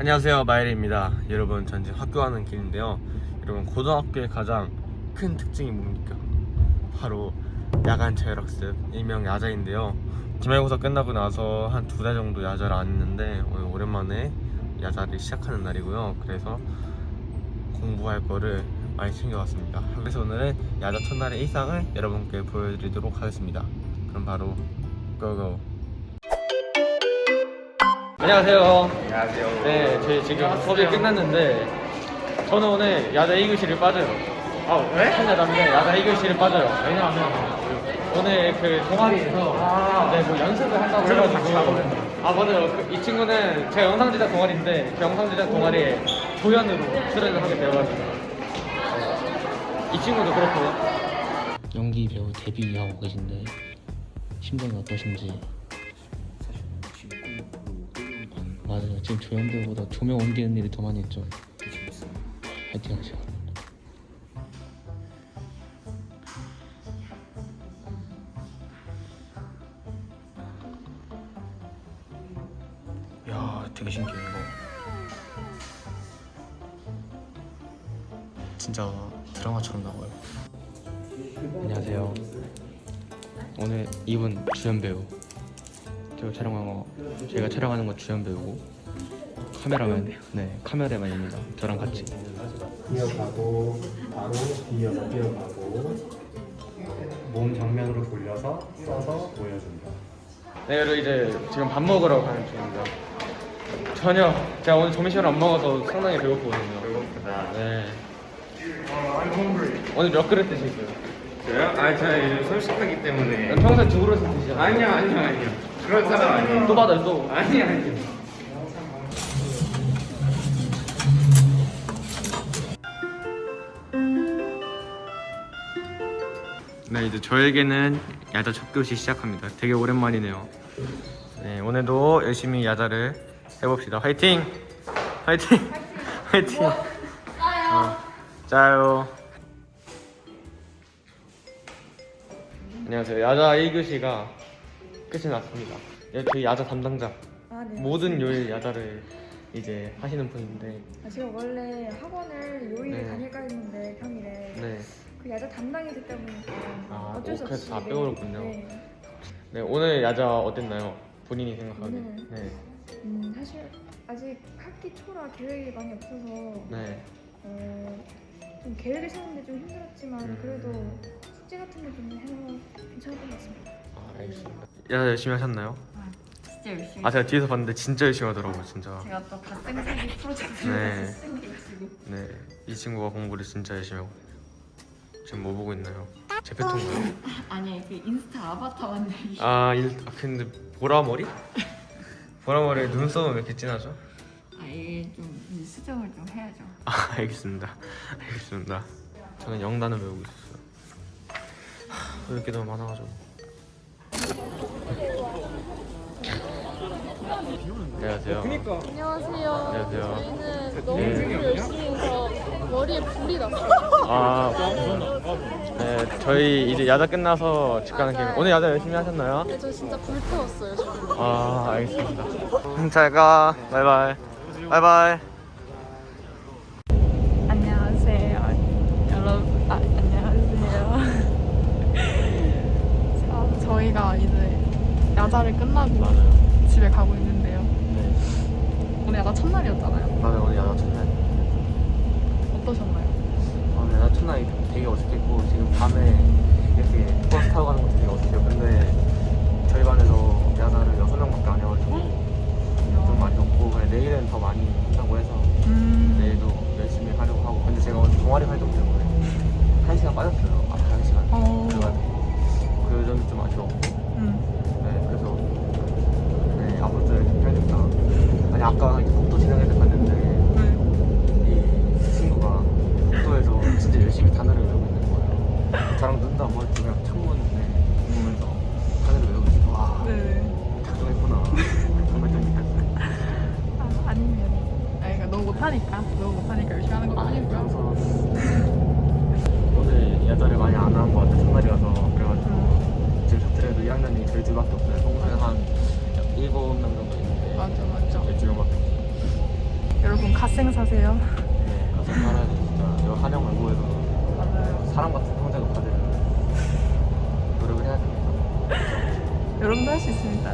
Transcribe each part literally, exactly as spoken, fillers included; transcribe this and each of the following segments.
안녕하세요, 마이리입니다. 여러분, 전 지금 학교 가는 길인데요. 여러분, 고등학교의 가장 큰 특징이 뭡니까? 바로 야간 자율학습, 일명 야자인데요. 기말고사 끝나고 나서 한 두 달 정도 야자를 안 했는데 오늘 오랜만에 야자를 시작하는 날이고요. 그래서 공부할 거를 많이 챙겨왔습니다. 그래서 오늘은 야자 첫날의 일상을 여러분께 보여드리도록 하겠습니다. 그럼 바로 고고! 안녕하세요. 안녕하세요. 네, 저희 지금 수업이 끝났는데 저는 오늘 야자 이 교시를 빠져요. 아, 왜? 첫야자인데 야자 이 교시를 빠져요. 왜냐하면 오늘 그 동아리에서 아, 네, 뭐 연습을 한다고 저랑 해가지고 같이 가거든요. 아 맞아요. 그, 이 친구는 제가 영상 제작 동아리인데 그 영상 제작 동아리에 조연으로 출연을 하게 되어가지고 이 친구도 그렇고요. 연기 배우 데뷔하고 계신데 심정이 어떠신지? 맞아요. 지금 조연 배우보다 조명 옮기는 일이 더 많이 있죠. 파이팅 하시고. 야, 되게 신기해 이거. 진짜 드라마처럼 나와요. 안녕하세요. 오늘 이분 주연 배우. 제가 촬영한 거, 제가 촬영하는 거 주연 배우고 카메라맨, 네 카메라맨입니다. 저랑 같이. 이어가고 바로 뒤이어서 뛰어가고 몸 정면으로 돌려서 써서 보여준다. 네, 그리고 이제 지금 밥 먹으러 가는 중입니다. 전혀 제가 오늘 점심을 안 먹어서 상당히 배고프거든요. 배고프다. 네. 오늘 몇 그릇 드실까요? 저요? 아, 저 요즘 솔직하기 때문에. 평소에 두 그릇 드시잖아요. 아니요, 아니요, 아니요. 그런 사람 아니에요. 또 받아요, 또. 아니요, 아니요. 네, 이제 저에게는 야자 첫 교시 시작합니다. 되게 오랜만이네요. 네, 오늘도 열심히 야자를 해봅시다. 화이팅! 화이팅! 화이팅! 어, 짜요. 안녕하세요. 야자 일 교시가 끝이 났습니다. 예, 저희 야자 담당자. 아, 네. 모든 요일 야자를 이제 하시는 분인데, 아, 제가 원래 학원을 요일에 네. 다닐까 했는데 평일에 네, 그 야자 담당이기 때문에 아, 어쩔 수 오, 그래서 없이 다 네. 빼오르군요. 네. 네, 오늘 야자 어땠나요? 본인이 생각하기에. 오늘? 네, 음, 사실 아직 학기 초라 계획이 많이 없어서 네. 어, 좀 계획을 세우는데 좀 힘들었지만 음. 그래도 숙제 같은 거 좀 해서 괜찮았던 것 같습니다. 아, 알겠습니다. 야자 열심히 하셨나요? 진짜 열심히. 아, 제가 뒤에서 봤는데 진짜 열심히 하더라고요, 진짜. 제가 또 갓생사기 프로젝트를 네. 생겨가지고. 네, 이 친구가 공부를 진짜 열심히 하고 지금 뭐 보고 있나요? 제페토인가요? 아니 그 인스타 아바타 만들기. 아, 일, 아 근데 보라머리? 보라머리에 눈썹은 왜 이렇게 진하죠? 아 이게 좀 수정을 좀 해야죠. 아, 알겠습니다. 알겠습니다. 저는 영단을 배우고 있었어요. 하, 배울 게 너무 많아가지고. 안녕하세요. 안녕하세요. 안녕하세요. 저희는 너무 네. 공부 열심히 해서 머리에 불이 났어요. 아, 네, 저희 이제 야자 끝나서 집 가는 길. 맞아요. 오늘 야자 열심히 하셨나요? 근데 저 진짜 불태웠어요. 지금. 아, 알겠습니다. 음, 잘 가. 바이바이. 바이바이. 안녕하세요. 여러분, 아, 안녕하세요. 자, 저희가 이제 야자를 끝나고 집에 가고 있는데요. 네. 오늘 야자 첫날이었잖아요. 맞아요, 오늘 야자 첫날. 어떠셨나요? 오늘 야자 첫날이 되게 어색했고, 지금 밤에 이렇게 버스 타고 가는 것도 되게 어색해요. 근데 저희 반에서 야자를 여섯 명밖에 안 해가지고 좀 많이 없고, 그래, 내일은 더 많이 한다고 해서 음, 내일도 열심히 하려고 하고. 근데 제가 오늘 동아리 활동 때문에 한 시간 빠졌어요. 앞에 한 시간. 어. 그래가지고 그 점이 좀 아쉬웠고. 음, 네, 그래서 네, 앞으로 또 열심히 해야겠다. 아니, 아까 이제 복도 지나갈 때 봤는데 네. 이 친구가 복도에서 진짜 열심히 단어를 외우고 있는 거예요. 저랑 눈도 안 마주치고 그냥 창문에 보면서 단어를 외우고 있어요. 와, 네. 작정했구나. 정말 좀 느꼈어요. 아, 아니면. 아, 그러니까 너무 못하니까. 너무 못하니까 열심히 하는 것도 아니고요. 오늘 야자를 많이 안 한 것 같아요. 첫날이라서. 그래가지고 지금 자퇴해도 이 학년이 저희 둘밖에 없어요. 평소에 한 일곱 명 정도 있는데 맞아, 맞아. 저희 두 명밖에 없어요. 갓생 사세요. 네, 가서 살아야지 진짜. 저 한영 외고에서 맞아요. 사람 같은 평생을 받으려면 노력을 해야 됩니다. 여러분도 할 수 있습니다.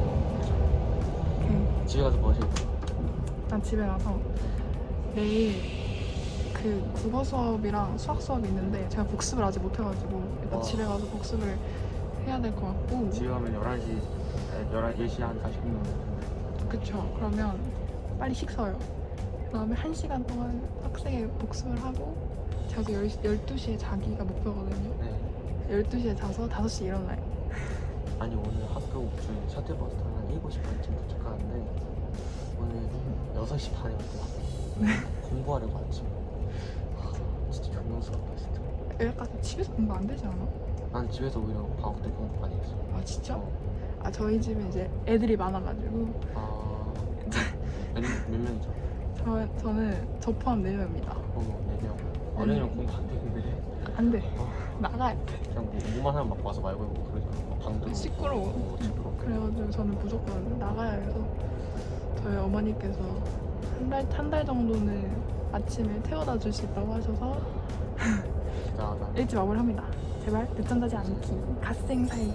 오케이. 집에 가서 뭐 하실 거예요? 난 집에 가서 내일 그 국어 수업이랑 수학 수업이 있는데 제가 복습을 아직 못해가지고 일단 와. 집에 가서 복습을 해야 될 것 같고. 집에 가면 열한 시, 열한 시 한 사십 분 정도. 그쵸. 그러면 빨리 식사요. 그 다음에 한 시간 동안 빡세게 복습을 하고 자서 열두 시에 자기가 목표거든요. 네. 열두 시에 자서 다섯 시에 일어나요. 아니 오늘 학교 저희 셔틀버스 타면 한 일곱 시 반쯤 도착하는데 오늘 여섯 시 반에 왔더라고요. 공부하려고 아침에. 아, 진짜 존경스럽다 진짜. 약간 집에서 공부 안 되지 않아? 난 집에서 오히려 방학 때 공부 많이 했어. 아 진짜? 어. 아 저희 집에 이제 애들이 많아가지고 아... 몇, 몇 명이죠? 저, 저는 저 포함 네 명입니다. 어머 네 명. 어린이랑 공부 안 되는데 안 돼. 어. 나가야 돼. 그냥 뭐 뭐만 하면 막 와서 말고 하고 그러잖아. 막 방도 시끄러워. 어, 시끄러워. 그래가지고 저는 무조건 나가야 해서 저희 어머니께서 한 달 한 달 정도는 아침에 태워다 줄 수 있다고 하셔서 대단하다. 일찍 마무리합니다. 제발 늦잠 자지 않기. 갓생 살기.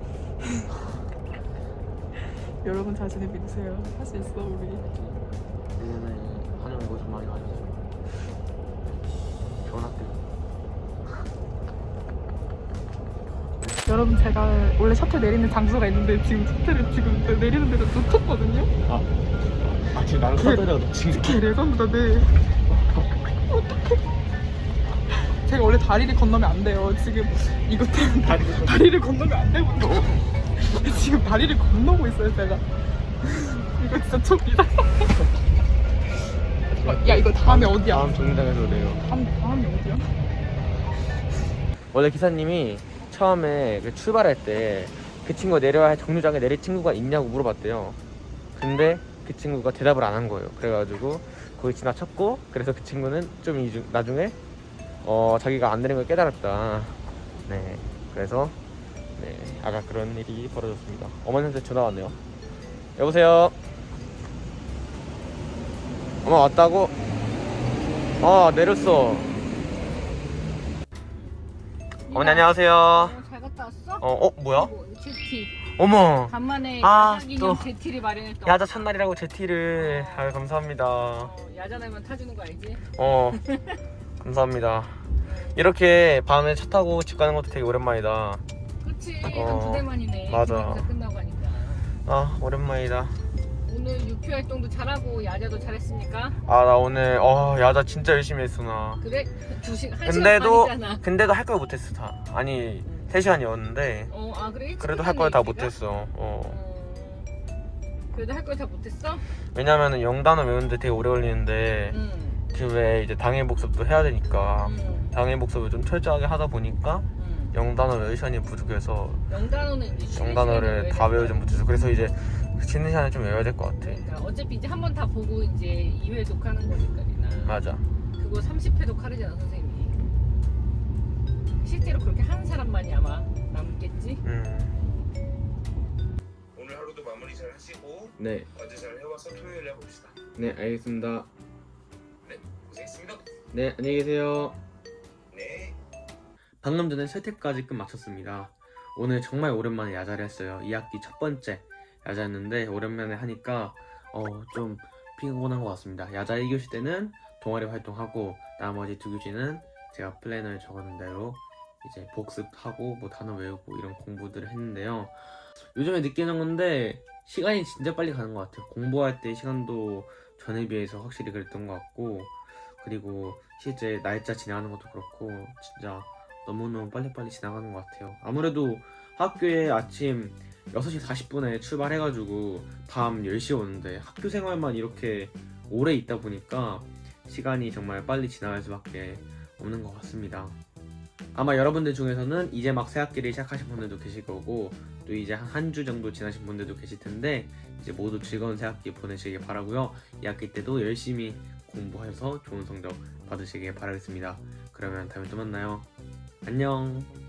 여러분 자신을 믿으세요. 할 수 있어 우리. 내년에 한영 이거 좀 많이 가져서 좋은 학교. 여러분 제가 원래 셔틀 내리는 장소가 있는데 지금 셔틀을 지금 내리는 데를 놓쳤거든요. 아 지금 나는 서더라도 놓친 게 개 레전드다. 네. 어떡해. 제가 원래 다리를 건너면 안 돼요. 지금 이것 때문에 다리를, 다리를 건너면 안 되거든요. 지금 다리를 건너고 있어요 제가. 이거 진짜 좀 이상해. 어, 야 이거 다음에 어디야? 다음 정류장에서 내요. 다음, 다음에 어디야? 원래 기사님이 처음에 그 출발할 때 그 친구가 내려야 할 정류장에 내릴 친구가 있냐고 물어봤대요. 근데 그 친구가 대답을 안 한 거예요. 그래가지고 거기 지나쳤고, 그래서 그 친구는 좀 이중, 나중에 어 자기가 안 내린 걸 깨달았다. 네, 그래서 네 아까 그런 일이 벌어졌습니다. 어머니한테 전화 왔네요. 여보세요. 엄마 왔다고? 아 내렸어. 어머니 안녕하세요. 어, 잘 갔다 왔어? 어, 어 뭐야? 뭐, 제티. 어머. 간만에 아, 야자 기념 또. 제티를 마련했다. 야자 첫날이라고 제티를. 아유 감사합니다. 어, 야자 날만 타주는 거 알지? 어 감사합니다. 이렇게 밤에 차 타고 집 가는 것도 되게 오랜만이다. 그치. 어, 한 두 달 만이네. 맞아. 기념사 끝나고 하니까. 아 오랜만이다. 오늘 유퀴 활동도 잘하고 야자도 잘했습니까? 아 나 오늘 어 야자 진짜 열심히 했어 나. 그래? 두 시간, 한 근데도 시간 반이잖아. 근데도 할 걸 못했어 다. 아니 세 시간이었는데 어, 아 그래? 일찍 그래도 할 걸 다 끝났네, 일찍가? 못했어. 어 어, 그래도 할 걸 다 못했어? 왜냐면은 영단어 외우는데 되게 오래 걸리는데 응. 그 외에 이제 당일 복습도 해야 되니까 응. 당일 복습을 좀 철저하게 하다 보니까 응. 영단어 외울 시간이 부족해서 영단어는 이제 쉬는 영단어를 시간에 다 외워야 외우지 될 못해서 그래서 이제 쉬는 시간에 좀 외워야 될 것 같아. 그러니까 어차피 이제 한 번 다 보고 이제 이 회 독하는 거니까 리나. 맞아. 그거 삼십 회 독하려잖아 선생님이. 실제로 그렇게 하는 사람만이 아마 남겠지? 음. 오늘 하루도 마무리 잘 하시고 네. 어제 잘 해와서 토요일에 봅시다. 네 알겠습니다. 네, 고생했습니다. 네 안녕히 계세요. 네. 방금 전에 세태까지 끝 마쳤습니다. 오늘 정말 오랜만에 야자를 했어요. 이 학기 첫 번째 야자였는데 오랜만에 하니까 어, 좀 피곤한 것 같습니다. 야자 일 교시 때는 동아리 활동하고 나머지 두 교시는 제가 플래너에 적어놓은 대로 이제 복습하고 뭐 단어 외우고 이런 공부들을 했는데요. 요즘에 느끼는 건데 시간이 진짜 빨리 가는 것 같아요. 공부할 때 시간도 전에 비해서 확실히 그랬던 것 같고, 그리고 실제 날짜 지나가는 것도 그렇고 진짜 너무너무 빨리빨리 지나가는 것 같아요. 아무래도 학교에 아침 여섯 시 사십 분에 출발해가지고 밤 열 시에 오는데 학교 생활만 이렇게 오래 있다 보니까 시간이 정말 빨리 지나갈 수밖에 없는 것 같습니다. 아마 여러분들 중에서는 이제 막 새 학기를 시작하신 분들도 계실 거고, 또 이제 한 주 정도 지나신 분들도 계실 텐데 이제 모두 즐거운 새 학기 보내시길 바라고요. 이 학기 때도 열심히 공부하셔서 좋은 성적 받으시길 바라겠습니다. 그러면 다음에 또 만나요. 안녕.